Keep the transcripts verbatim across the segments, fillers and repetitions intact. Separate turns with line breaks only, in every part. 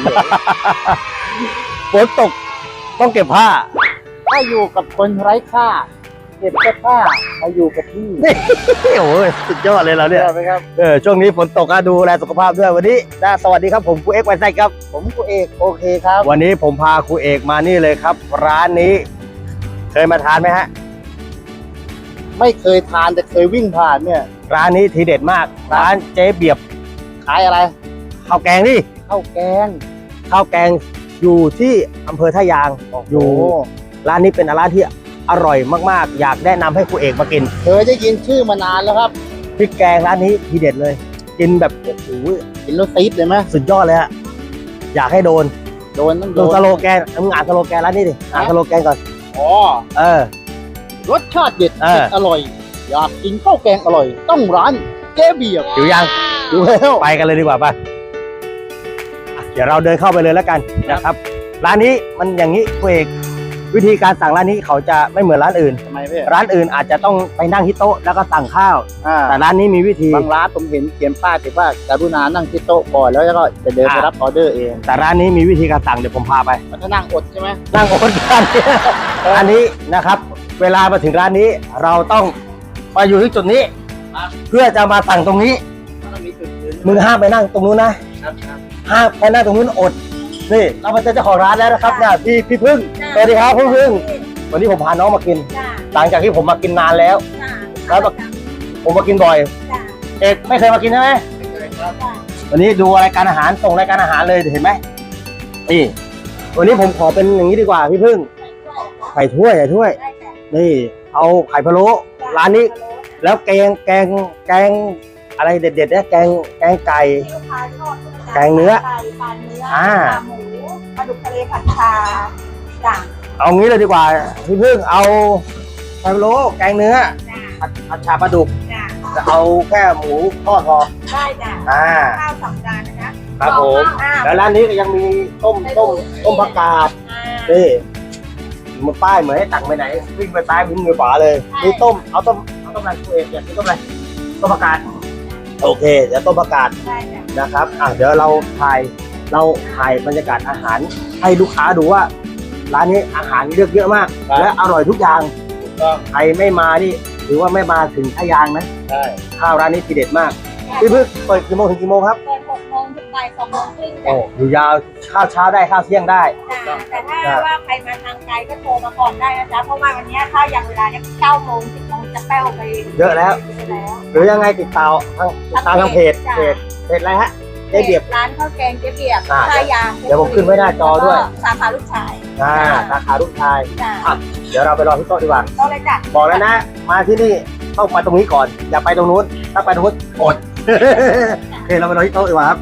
ฝนตกต้องเก็บผ้า
ถ้าอยู่กับคนไร้ค่าเก็บเสื้อผ้ามาอยู่กับพี่
โอ้ยสุดยอดเลยเราเนี่ย
ใช่ไหมครับ
เออช่วงนี้ฝนตกก็ดูแลสุขภาพด้วยวันนี้นะสวัสดีครับผมครูเอกไวไซครับ
ผมครูเอกโอเคครับ
วันนี้ผมพาครูเอกมานี่เลยครับร้านนี้เคยมาทานไหมฮะ
ไม่เคยทานแต่เคยวิ่งผ่านเนี่ย
ร้านนี้ทีเด็ดมากร้านเจ๊เบียบ
ขายอะไร
ข้าวแกงนี่
ข้าวแกง
ข้าวแกงอยู่ที่อำเภอท่ายางอยู่ร้านนี้เป็นร้านที่อร่อยมากๆอยากแนะนำให้ครูเอกมากิน
เคยได้ยินชื่อมานานแล้วครับ
พริกแกงร้านนี้ทีเด็ดเลยกินแบบโอ้โห
กินแล้วซีดเลยไหม
สุดยอดเลยฮะอยากให้โดน
โดนต้อง
โดนสโลแกนมึงอ่านสโลแกนร้านนี้ดิอ่านสโลแกนก่อน
อ๋อ
เออ
รสชาติเด็ดเผ็ดอร่อยอยากกินข้าวแกงอร่อยต้องร้านเจ๊เบียบ
อยู่ยัง
อยู่แล้ว
ไปกันเลยดีกว่าป่ะเดี๋ยวเราเดินเข้าไปเลยแล้วกันนะครับร้านนี้มันอย่างนี้ครูเอกวิธีการสั่งร้านนี้เขาจะไม่เหมือนร้านอื่น
ทำไมพี่
ร้านอื่นอาจจะต้องไปนั่งที่โต๊ะแล้วก็สั่งข้าวแต่ร้านนี้มีวิธี
บางร้านผมเห็นเขียนป้ายติดว่ากรุณานั่งที่โต๊ะก่อนแล้วก็จะเดินไปรับออเดอร์เอง
แต่ร้านนี้มีวิธีการสั่งเดี๋ยวผมพาไป
ถ้านั่งอดใช่ไหม
นั่งอดร้านนี้อันนี้นะครับเวลามาถึงร้านนี้เราต้องมาอยู่ที่จุดนี้เพื่อจะมาสั่งตรงนี้มึงห้ามไปนั่งตรงนู้นนะห้ามไปนั่งตรงนู้นอดนี่เรามาเจอเจ้าของร้านแล้วนะครับเนี่ยพี่พี่พึ่งสวัสดีครับพี่พึ่งวันนี้ผมพาน้องมากินหลังจากที่ผมมากินนานแล้วแล้วผมมากินบ่อยเอกไม่เคยมากินใช่ไหมวันนี้ดูรายการอาหารส่งรายการอาหารเลยเห็นไหมนี่วันนี้ผมขอเป็นอย่างนี้ดีกว่าพี่พึ่งไข่ถ้วยไข่ถ้วยนี่เอาไข่พะโล้ร้านนี้แล้วแกงแกงแกงอะไรเด็ดๆเนี่ยแกงแกงไก่แกงเนื้ออ่า
หมูปลาดุกทะเลผัดชาจ้ะ
เอางี้เลยดีกว่าพี่พึ่งเอาไข่พะโล้แกงเนื้อผัดชาปลาดุกจะเอาแค่หมูทอดพอ
ได้จ้ะ
อ่า
ข้าวสองจานนะคะ
ครับผมแล้วร้านนี้ก็ยังมีต้มต้มต้มผักกาดนี่มันป้ายเหมือนให้ตักไปไหนวิ่งไปซ้ายวิ่งไปขวาเลยมีต้มเอาต้มเอาต้มอะไรตัวเองเนี่ยมีต้มอะไรต้มผักกาดโอเคเดี๋ยวต้มผักกาดนะครับอ่ะเดี๋ยวเราถ่ายเราถ่ายบรรยากาศอาหารให้ลูกค้าดูว่าร้านนี้อาหารเลือกเยอะมากและอร่อยทุกอย่างใครไม่มานี่ถือว่าไม่มาถึงท่ายางนะ
ใช่
ข้าวร้านนี้ทีเด็ดมากพี่พึ่งเปิดกี่โมงถึงกี่โมงครับ
เปิดหกโมงถึงบ่ายสองโมงครึ่ง
โอ้อยู่ยาวข้าวเช้าได้ข้าวเที่ยงได้
แต่ถ้าว่าใครมาทางไกลก็โทรมาก่อนได้นะจ๊ะเพราะว่าวันนี้ถ้าอย่างเวลาเนี้ยเก้าโมงสิบโมงจะแป้วไป
เยอะแล้วหรือยังไงติดต่อทางติดตามทางเพจเพจเพจอะไรฮะเจ๊เบียบ
ร้านข้าวแกงเจ๊เบียบท่ายาง
เดี๋ยวผมขึ้นไว้หน้าจอด้วย
สาขาลูกชาย
อ่าสาขาลูกชายเดี๋ยวเราไปรอที่โต๊ะดีกว่า
โต๊ะเลยจ้ะ
บอกแล้วนะมาที่นี่ต้องมาตรงนี้ก่อนอย่าไปตรงนู้นถ้าไปตรงนู้นอดโอเคเราไปรอที่โต๊ะดีกว่าครับ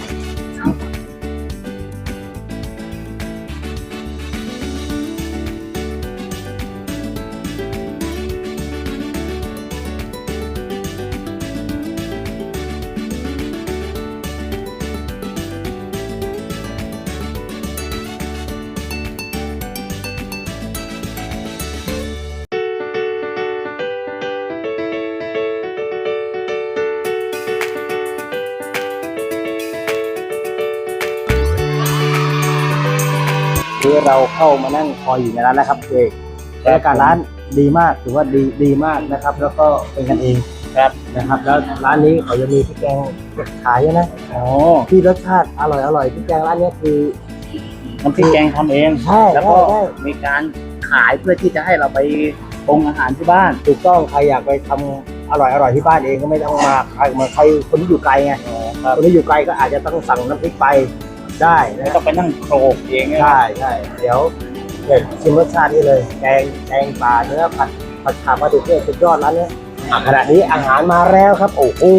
คือเราเข้ามานั่งคอยอยู่ในร้านแล้วครับเอกบรรยากาศร้านดีมากถือว่าดีดีมากนะครับแล้วก็เป็นกันเองครับนะครับแล้วร้านนี้เขาจะมีพริกแกงขายนะอ๋อที่รสชาติอร่อยอร่อยพริกแกงร้านนี้คือ
น้ำพริกแกงทำเอง
ใช่
แล้วก็มีการขายเพื่อที่จะให้เราไปปรุงอาหารที่บ้าน
ถูกต้องใครอยากไปทำอร่อยอร่อยที่บ้านเองก็ไม่ต้องมาใครมาใครคนที่อยู่ไกลไงคนที่อยู่ไกลก็อาจจะต้องสั่งน้ำพริกไปได้
ไม่ต้องไปนั่งโขลกเอง
ใช่ใช่เดี๋ยวเดี๋ยวชิมรสชาตินี่เลยแกงแกงปลาเนื้อผัดผัดชาปลาดุกเนี่ยสุดยอดร้านนี้ขณะนี้อาหารมาแล้วครับโอ้โห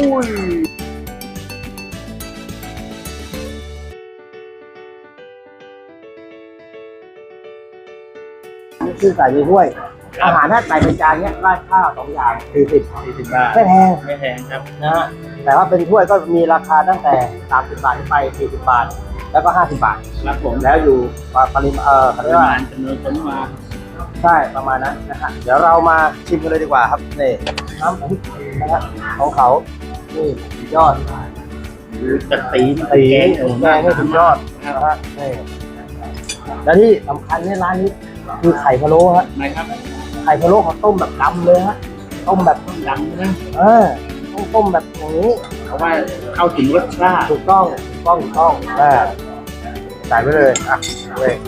นี่คือใส่ในถ้วยอาหารถ้าใส่เป็นจานเนี้ยราดข้าวสองอย่างสี่สิบ
สี่สิบบาท
ไม่แพง
ไม่แพงครับ
นะฮะแต่ว่าเป็นถ้วยก็มีราคาตั้งแต่สามสิบบาทขึ้นไปสี่สิบบาทแล้วก็ห้าสิบบาท
ครับผม
แล้วอยู่ปริมาณเอ่อ
ปริมาณจำนวนคนมา
ใช่ประมาณนั้นนะฮะเดี๋ยวเรามาชิมกันเลยดีกว่าครับนี่น้ำพริกนะฮะของเขานี่ยอด
แต่ตีน
ตี
แกง
แกงนี่สุดยอดนะฮะนี่แล้วที่สำคัญในร้านนี้คือไข่พะโล้ฮะ
นะครับ
ไข่พะโล้เขาต้มแบบดำเลยฮะต้มแบบ
ดังนะ
เออต้องต้มแบบอย่างนี้
เพราะว่าเข้าถึงรสชาติ
ถูกต้องถูกต้องถูกต้องอ่าใส่ไปเลยอ่ะเว้ย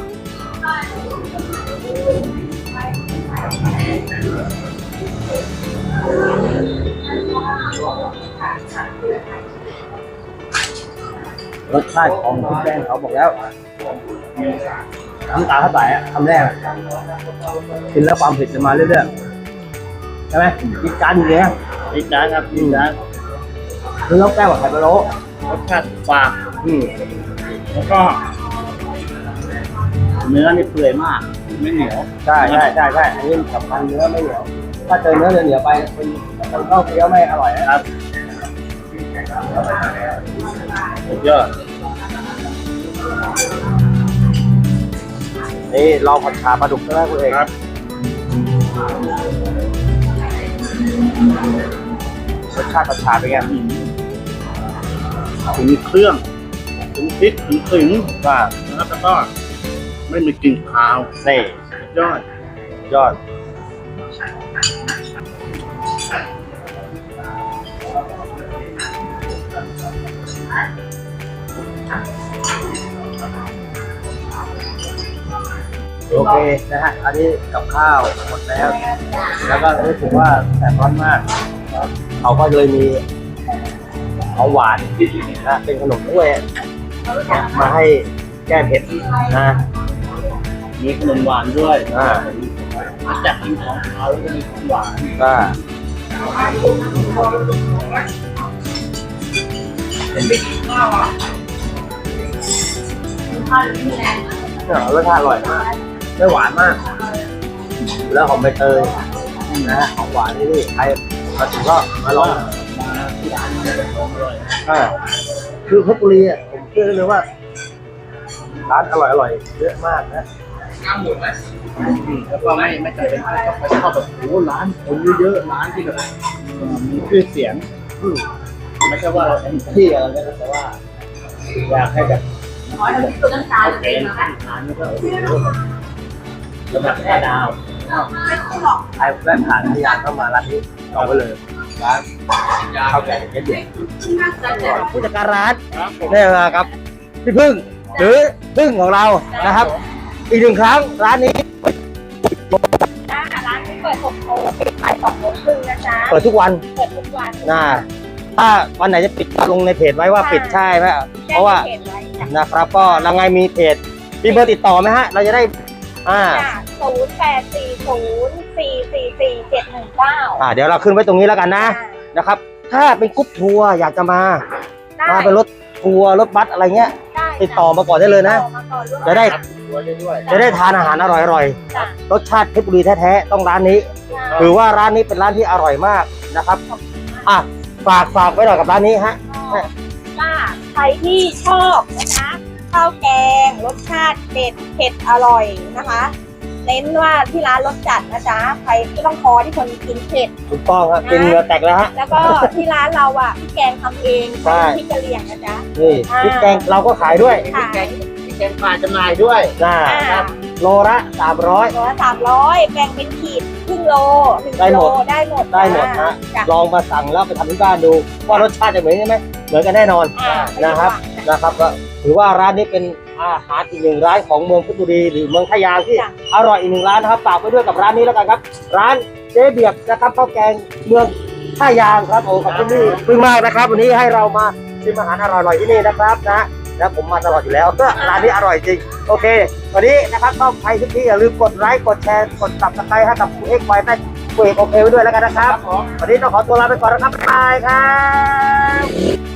รสชาติของพริกแกงเขาบอกแล้วน้ำตาเท่าไหร่อะคำแรกอะกินแล้วความเผ็ดจะมาเรื่อยๆใช่ไหมกินจานอย่างเงี้ย
อีกจานครับอีกจาน
คือต้องแก้วกับไข่พะโล้
รสชาติฝาด
อืม
แล้วก็ เนื้อนี่เปื่อยมากไม่เหนียว
ใช่ใช่ใช่ใช่อันนี้สำคัญเนื้อไม่เหนียวถ้าเจอเนื้อเหนียวๆไปเป็นเป็นข้าวเคี้ยวไม่อร่อยนะครับ
สุดยอด
นี่ลองผัดชาปลาดุกใช่ไหมคุณเอก
ครับ
รสชาติผัดชาเป็นไง
ถึงเครื่องถึงพริกถึงถึง
ว่า
นะครับแล้วก็ไม่มีกลิ่นคาว
นี่
สุดยอด
ยอดโอเคนะฮะอันนี้กับข้าวหมดแล้ว แล้วก็รู้สึกว่าแสบร้อนมากเขาก็เลยมีของหวานนะเป็นขนมถ้วยนะมาให้แก้เผ็ดนะ
มีขนมหวานด้วย
อ่า
มาจากกินของเขาแล้วก็มีของหวาน
ก็รสชาติอร่อยมากไม่หวานมาก แล้วหอมใบเตยนะฮะของหวานนี่นี่ใครมาถึงก็มาลอง
มาที่ร้านนี้เป็นของอร่อย
อ่าคือเพชรบุรีอ่ะผมเชื่อเลยว่า ร้านอร่อยอร่อยเยอะมากนะ
แล้วก็ไม่ไม่จำเป็นต้องไปชอบแบบโอ้โหร้านคนเยอะๆร้านที่แบบเอ่อมีชื่อเสียง
อืม
ไม่ใช่ว่าเราเต็มที่อะไรนะแต่ว่าอยากให้แบบ
ขอให้เราตัวน้ำตาล
เป็
เป็น
น
นะ
ร้านนี้ก็โอ้โหระดับห้าดาว
ไม่ต้องหรอก
ใครแวะผ่านพยานเข้ามาร้านนี้จองไว้เลยร้านข้าวแกงเพชรบุรี
น่าจะเจ็บ
ผู้จัดการร้าน
ครับผม
นี่นะครับพี่พึ่งหรือพึ่งของเรานะครับ อีกหนึ่งครั้งร้านนี้
จ้าร้านนี้เปิดหกโมงปิดบ่ายสองโมงครึ่งนะจ๊ะ
เปิดทุกวัน
เปิดทุกวัน
นะถ้าวันไหนจะปิดลงในเพจไว้ว่าปิดใช่ไหมเพราะว่า
แจ้งเพจไว้จ้ะ
นะครับก็เราไงมีเพจมีเบอร์ติดต่อไหมฮะ เราจะได้อ่า
ศูนย์แปดสี่ศูนย์สี่สี่สี่เจ็ดหนึ่งเก้า
อ่าเดี๋ยวเราขึ้นไว้ตรงนี้แล้วกันนะนะครับ ถ้าเป็นกรุ๊ปทัวร์อยากจะมามาเป็นรถทัวร์รถบัสอะไรเงี้ย ติดต่อมาก่อนได้เลยนะ จะได้
ตัวด้วย
จะได้ทานอาหารอร่อยๆรสชาติเพชรบุรีแท้ๆต้องร้านนี้ ถือว่าร้านนี้เป็นร้านที่อร่อยมากนะครับอ่ะฝากฝากไว้หน่อยกับร้านนี้ฮะ
จ้าใครที่ชอบนะคะข้าวแกงรสชาติเด็ดเผ็ดอร่อยนะคะ เน้นว่าที่ร้านรสจัดนะจ๊ะใครไม่ต้องคอที่คนกินเผ็ด
ถูกต้องครับกินเหงื่อแตกแล้วฮะ
แล้วก็ที่ร้านเราอ่ะพี่แกงทำเอง
ใช่
พี่กะเหรี่ยงนะจ๊ะ
นี่พริกแกงเราก็ขายด้วย
ขาย
มีแกงปลาจำหน่ายด้วย
นะ
อ่า
โลละสามร้อย
โลละสามร้อยแบ่งเป็นขีดครึ่งโลหนึ่ง
ได้
กิ
ห
โล
มด
ได้หมด
ได้หมดฮะ
จ้ะ
ลองมาสั่งแล้วไปทำที่บ้านดูว่ารสชาติจะเหมือนกันไหมเหมือนกันแน่นอน
อ่า
นะครับ นะครับก็ถือว่าร้านนี้เป็นอาหารอีกหนึ่งร้านของเมืองเพชรบุรีหรือเมืองทะยาที่อร่อยอีกหนึ่งร้านนะครับฝากไว้ด้วยกับร้านนี้แล้วกันครับ ร้านเจ๊เบียบนะครับข้าวแกงเมืองท่ายางครับโอ้ขอบคุณพี่พึ่งมากนะครับ วันนี้ให้เรามาชิมอาหารอร่อยๆที่นี่นะครับนะแล้วผมมาตลอดอยู่แล้วก็ร้านนี้อร่อยจริงโอเค วันนี้นะครับก็ใครทุกที่อย่าลืมกดไลค์กดแชร์กดซับสไครต์ให้กับคุณเอ็กซ์ไวแม่คุณเอกโอเคไว้ด้วยแล้วกันนะครับวันนี้ต้องขอตัวลาไปก่อนนะครับบ๊ายบายครับ